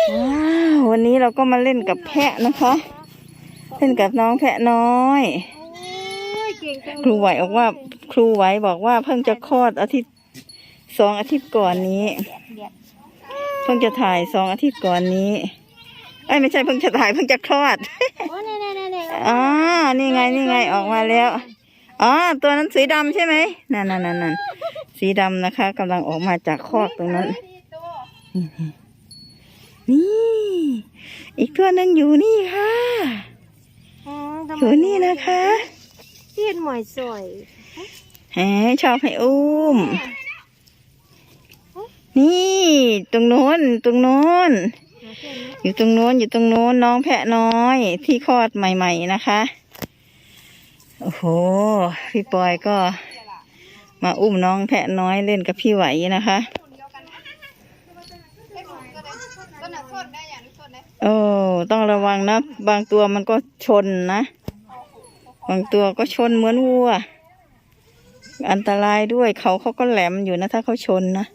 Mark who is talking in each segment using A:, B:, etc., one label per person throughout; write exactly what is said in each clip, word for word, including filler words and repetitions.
A: ว้าววันนี้เราก็มาเล่นกับแพะนะคะเล่นกับน้องแพะน้อยครูไหวบอกว่าครูไหวบอกว่าเพิ่งจะคลอดอาทิตย์สองอาทิตย์ก่อนนี้เพิ่งจะถ่ายสองอาทิตย์ก่อนนี้เอ้ยไม่ใช่เพิ่งจะถ่ายเพิ่งจะคลอดอ๋อนี่ไงนี่ไงออกมาแล้วอ๋อตัวนั้นสีดำใช่ไหมนั่นนั่นนั่นนั่นสีดำนะคะกำลังออกมาจากคอกตรงนั้นนี่อีกตัวหนึ่งอยู่นี่ค่ะอยู่นี่นะคะ
B: เทียนหมอยสวย
A: แหมชอบให้อุ้มนี่ตรงโน้นตรงโน้นอยู่ตรงโน้นอยู่ตรงโน้นน้องแพะน้อยที่คลอดใหม่ๆนะคะโอ้โหพี่ปอยก็มาอุ้มน้องแพะน้อยเล่นกับพี่ไหวนะคะโอ้ต้องระวังนะบางตัวมันก็ชนนะบางตัวก็ชนเหมือนวัวอันตรายด้วยเขาเขาก็แหลมอยู่นะถ้าเขาชนนะ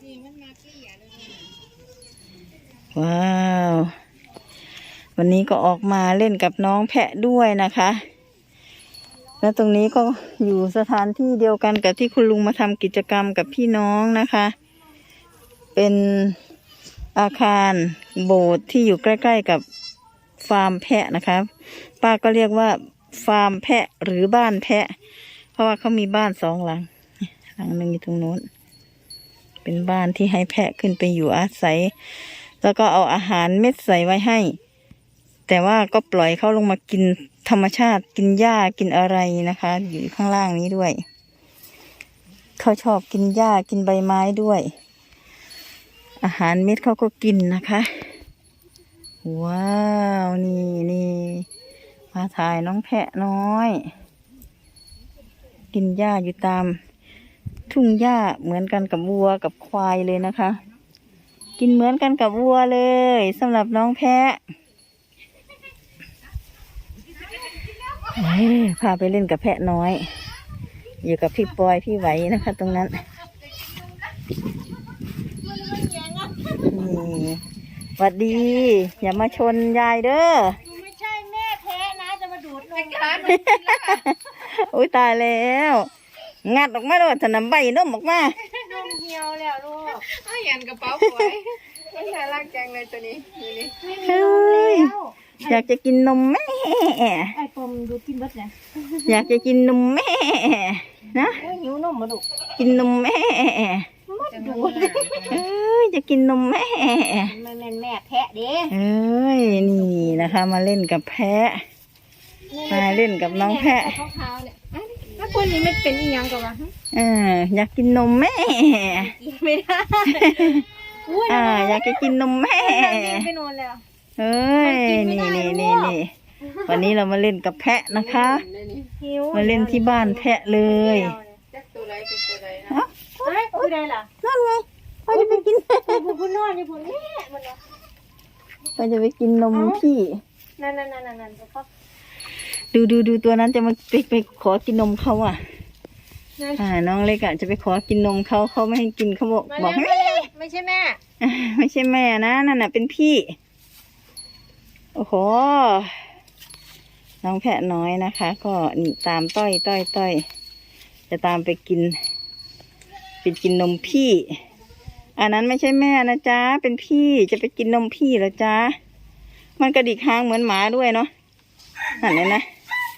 A: ว้าววันนี้ก็ออกมาเล่นกับน้องแพะด้วยนะคะและตรงนี้ก็อยู่สถานที่เดียวกันกับที่คุณลุงมาทำกิจกรรมกับพี่น้องนะคะเป็นอาคารโบสถ์ที่อยู่ใกล้ๆกับฟาร์มแพะนะคะป้าก็เรียกว่าฟาร์มแพะหรือบ้านแพะเพราะว่าเขามีบ้านสองหลังหลังหนึ่งอยู่ตรงโน้นเป็นบ้านที่ให้แพะขึ้นไปอยู่อาศัยแล้วก็เอาอาหารเม็ดใส่ไว้ให้แต่ว่าก็ปล่อยเขาลงมากินธรรมชาติกินหญ้ากินอะไรนะคะอยู่ข้างล่างนี้ด้วยเขาชอบกินหญ้ากินใบไม้ด้วยอาหารเม็ดเขาก็กินนะคะว้าวนี่นี่มาถ่ายน้องแพะน้อยกินหญ้าอยู่ตามทุ่งหญ้าเหมือนกันกับวัวกับควายเลยนะคะกินเหมือนกันกับวัวเลยสำหรับน้องแพะพาไปเล่นกับแพะน้อยอยู่กับพี่ปอยพี่ไหวนะคะตรงนั้นนี่หวัดดีอย่ามาชนยายเด้อ
B: ไม่ใช่แม่แพ้นะจะมาดูดนมกัน
A: อุ้ยตายแล้วงัดออกมาด้วยถนำใบนมออกมาน
B: มเหี่ยวแล้วลูก
C: เอาเห็นกระเป๋าสวยมันน่ารักจังเลยตัวนี้นี่
A: เฮ้ยอยากจะกินนมแม่
B: ไอ้ปมดูกินเบิดนะ
A: อยากจะกินนมแม่นะ
B: หิวนมมาลูก
A: กินนมแม่
B: ดู
A: เอ้ยจะกินนมแม่
B: แม่แม่แม่แพะเด้
A: เอ้ยนี่นะคะมาเล่นกับแพะมาเล่นกับน้องแพะ
B: ถ้าคนนี้ไม่เป็นอีหยังกันวะ
A: เอออยากกินนมแม่
B: ไม่ได้
A: อ่าอยากจะกินนมแม่
B: ไปนอนแล้ว
A: เอ้ยนี่นี่นี่นี่วันนี้เรามาเล่นกับแพะนะคะมาเล่นที่บ้านแพะเลย
C: ตัวไรเป็นตัวไรนะ
B: เฮ้ยตัวไรล่ะ
A: นั่นไงเขาจะไปกิน
B: ผู้ผู้นอนอยู่ผู้นี้มัน
A: เขาจะไปกินนมพี่
B: นั่นนั่นนั่นนั่นเขา
A: ดูดูดูตัวนั้นจะมาไปไปขอกินนมเขาอ่ะอ่าน้องเล็กอ่ะจะไปขอกินนมเขาเขาไม่ให้กินเขาบอกบอกไม่
B: ไม่ใช่แม่
A: ไม่ใช่แม่นะนั่นน่ะเป็นพี่โอ้โหน้องแพะน้อยนะคะก็ตามต้อยต้อยต้อยจะตามไปกินไปกินนมพี่อันนั้นไม่ใช่แม่นะจ๊ะเป็นพี่จะไปกินนมพี่เหรอจ๊ะมันกระดิกหางเหมือนหมาด้วยเนาะนั่นเลยนะ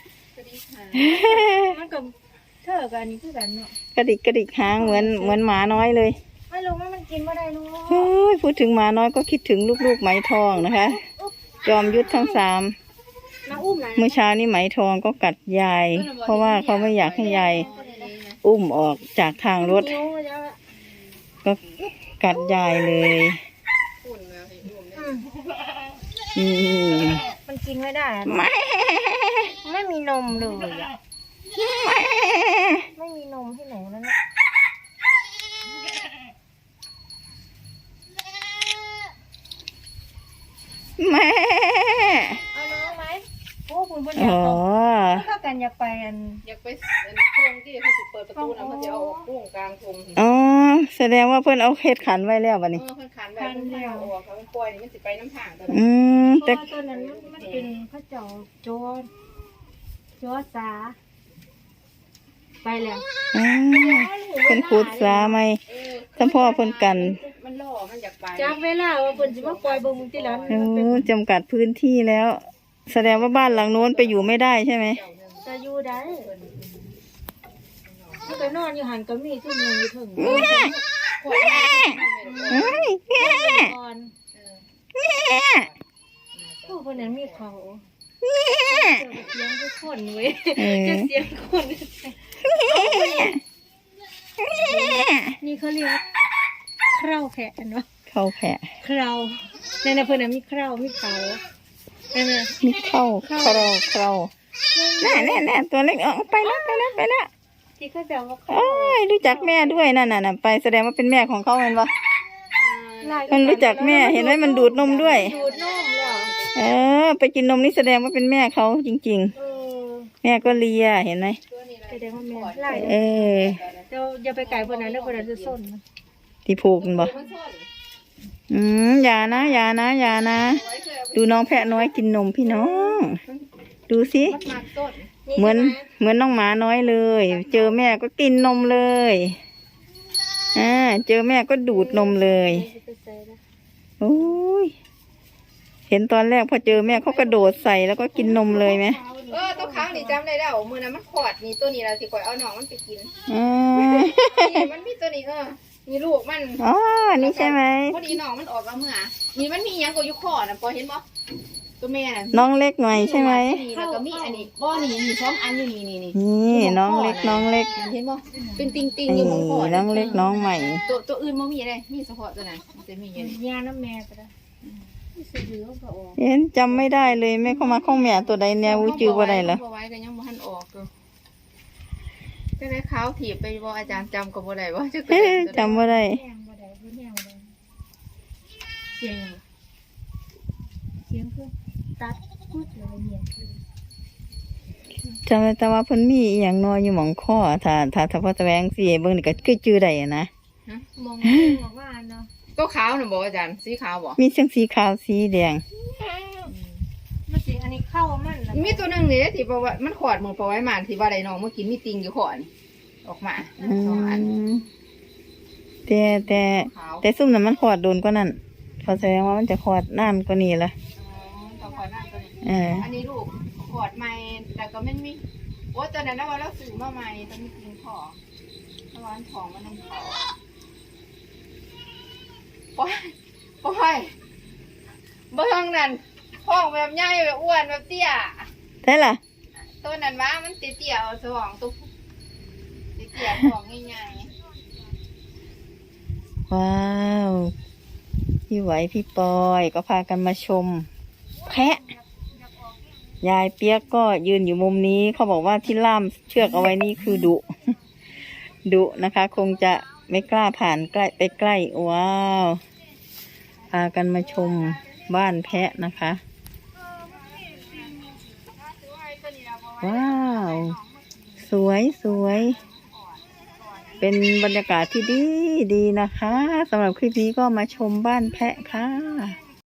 B: มันกับเธอกันนี่คือกันเนาะ
A: กระดิกกระดิกหางเหมือนเหมือนหมาน้อยเลย
B: ไม่รู้ว่ามันกินว่าได้ลูก
A: โอ้ยพูดถึงหมาน้อยก็คิดถึงลูกๆไหมทองนะคะจอมยุทธทั้งสามเมื่อเช้านี้ไหมทองก็กัดยายเพราะว่าเขาไม่อยากให้ยายอุ้มออกจากทางรถก็กัดยายเลย
B: อืมมันกินไม่ได้
A: ไม่
B: ไม่มีนมเลยอ่ะไม่มีนมให้หนูแล้วนะ
A: แม่
B: เอาน้องไหมโอ้คุณบ่อยาก
A: อ๋อ
B: เข้าถ้ากันอยากไปอัน
C: อยากไปอันโค้งที่เขาสิเปิดประตูนะเขาจะเอาออกโค้งกลางโค้งสิ
A: อ๋อแสดงว่าเพิ่นเอาเฮ็ดขันไว้แล้วบัด
C: เอ
A: นี้
C: อเพิ่นขันไว้เพิ่นเอาออกเขาปล่อยนี่มันสิไปน้ำทางตัวนั้น
A: อืม
B: เพ
A: แต่
B: ราะว่าตัวนั้นมันมันเป็นพระเจ้าโจรโจรสาไปแล้ว
A: อืมเพิ่นขุดสาไหม
C: เออ
A: สัมพ่อเพิ่นกัน
C: มันล่อมันอยากไป
B: จากเวลาว่าเพิ่นสิมาปล่อยเบิ่งมึงที่ร้าน
A: โอ้จำกัดพื้นที่แล้ว แสดงว่าบ้านหลังโน้นไปอยู่ไม่ได้ใช่ไหม
B: จะอยู่ได้มันก็นอนอยู่หันก็มีทุ่มนึงอยู่ถึง
A: เฮ้ยแม่
B: ก่อนผู้คนนั้นมีเขาเสียงทุกคนเว้ย
A: เออ
B: จะเสียงคนนี่เขาเรียกว่าเคราแพะเนาะ
A: เข้าแผะ
B: เคราในนั้นเพิ่นน่ะมีเครามีเขานั่นน่ะ
A: มีเข้าเข้าเข้าแน่แน่แน่ตัวเล็กเอาไปแล้วไปแล้วไปแล้ว
B: ที่เขาแบบว่า
A: โอ้ยรู้จักแม่ด้วยนั่นน่ะน่ะไปแสดงว่าเป็นแม่ของเขาเห็นปะมันรู้จักแม่เห็นไหมมันดูดนมด้วย
B: ดูดนมเหรอ
A: เออ ไปกินนมนี่แสดงว่าเป็นแม่เขาจริง
B: เออ
A: ๆ แม่ก็เลียเห็นไหม
B: แสดงว่าแม่ไล่
A: เออ
B: เดี๋ยวอย่าไปไกลเพิ่นนั้นเด้อเพิ่นนั้นจะส้นนะ
A: ที่ผูกมันบ่อืมอย่านะอย่านะอย่านะ ดูน้องแพะน้อยกินนมพี่น้อง ดูสิ
C: มันมาต้น
A: เหมือนเหมือนน้องหมาน้อยเลย เจอแม่ก็กินนมเลยอ่าเจอแม่ก็ดูดนมเลยโอ้ยเห็นตอนแรกพอเจอแม่เขากระโดดใส่แล้วก็กินนมเลยไหม
C: เออตัวค้างนี่จำได้แล้วมือนั้นมันขอดนี่ตัวนี้เราสิข่อยเอาหนองมันไปกิน
A: อ่า
C: นี่มันมีตัวนี้เออมีลูกมัน
A: อ๋อนี่ใช่ไหม
C: พอดีหนองมันออกแล้วเมื่อนี่มันมีหยังก็อยู่คอน่ะพอเห็นบ่ตัวแม่น่ะ
A: น้องเล็กหน่อยใช่ไหม
C: นี่แล้วก็มีอันนี้บ่นี่นี่สองอันอยู่นี่นี่นี่
A: นี่น้องเล็กน้องเล็ก
C: เห็นบ่เป็นติงติง
A: นี่
C: อยู่บนคอ
A: น้องเล็กน้องใหม่
C: ตัวตัวอื่นบ่มีเลยมีเฉพาะตัวนั้นมันจะมีอยู่นี่
B: ยาน้ำแม่ก็ได้ที่สิเหลือก็ออก
A: เห็นจำไม่ได้เลยแม่เข้ามาข้องแม่ตัวใดเนี่ยวูจือว่าใดเหรอ
C: บ่ไว้ก็ยังบ่ทันออกอยู่ก็ได้ขาวถีบไปบ่อาจารย์จำก็บ่ได้ว่าจะ
A: เอ๊ะจำว่าได้
B: แห้งบ่ได้เพิ่นแห้งบ่ได้
C: เสียงหยัง
B: เสียงคือตัดพูดเลยเนี่ย
A: จำได้แต่ว่าเพิ่นมีอหย่างน้อยอยู่หมองข้อถ้าถ้าถ้าพ่อตะแวงสิเบิ่งนี่ก็คือจื้อได้อะนะ
C: ฮะ
B: มองมองว่าเนาะ
C: ตัวขาวน่ะบ่อาจารย์สีขาวบ่
A: มีเสียงสีขาวสีแดง
B: มันสิอันนี้เข้ามันแล้ว
C: มีตัวหนึงนี่ที่บอกว่ามันขอดมือพอไว้มาที่ว่าได้น้องเมื่อกี้มีติงอยู่ขอนออกมา
A: อื
C: สองอัน
A: มแต่แต่
C: ขาว
A: แต่ซุ่มนั้นมันขอดโดนกว่านั้นเขาแสดงว่ามันจะขอดนานกว่านี้ละ
C: อ๋อตัวขอดหน้าตัวนี้
A: เออ
C: อันนี้ลูกขอดใหม่แต่ก็ไม่มีโอ้ตอนนั้นนะว่าเราซื้อมาใหม่ต้องมีติงขอตะวันของมันน้ำขอปล่อยปล่อยเบิ่งนั่นห้องแบบใหญ่แบบอ้วนแบบเตี้ย
A: ได้ล่ะ
C: ตัวนั้นว่ามันเตี้ยๆเอาสว่างตุ๊กเตี้ยๆของง่าย
A: ว้าวพี่ไหวพี่ปอยก็พากันมาชม แพะ ยายเปียกก็ยืนอยู่มุมนี้เขาบอกว่าที่ล่ามเชือกเอาไว้นี่คือดุ ดุนะคะ คงจะไม่กล้าผ่านใกล้ไปใกล้ ว้าว พากันมาชมบ้านแพะนะคะ ว้าว สวยสวย เป็นบรรยากาศที่ดีดีนะคะสำหรับคลิปนี้ก็มาชมบ้านแพะค่ะ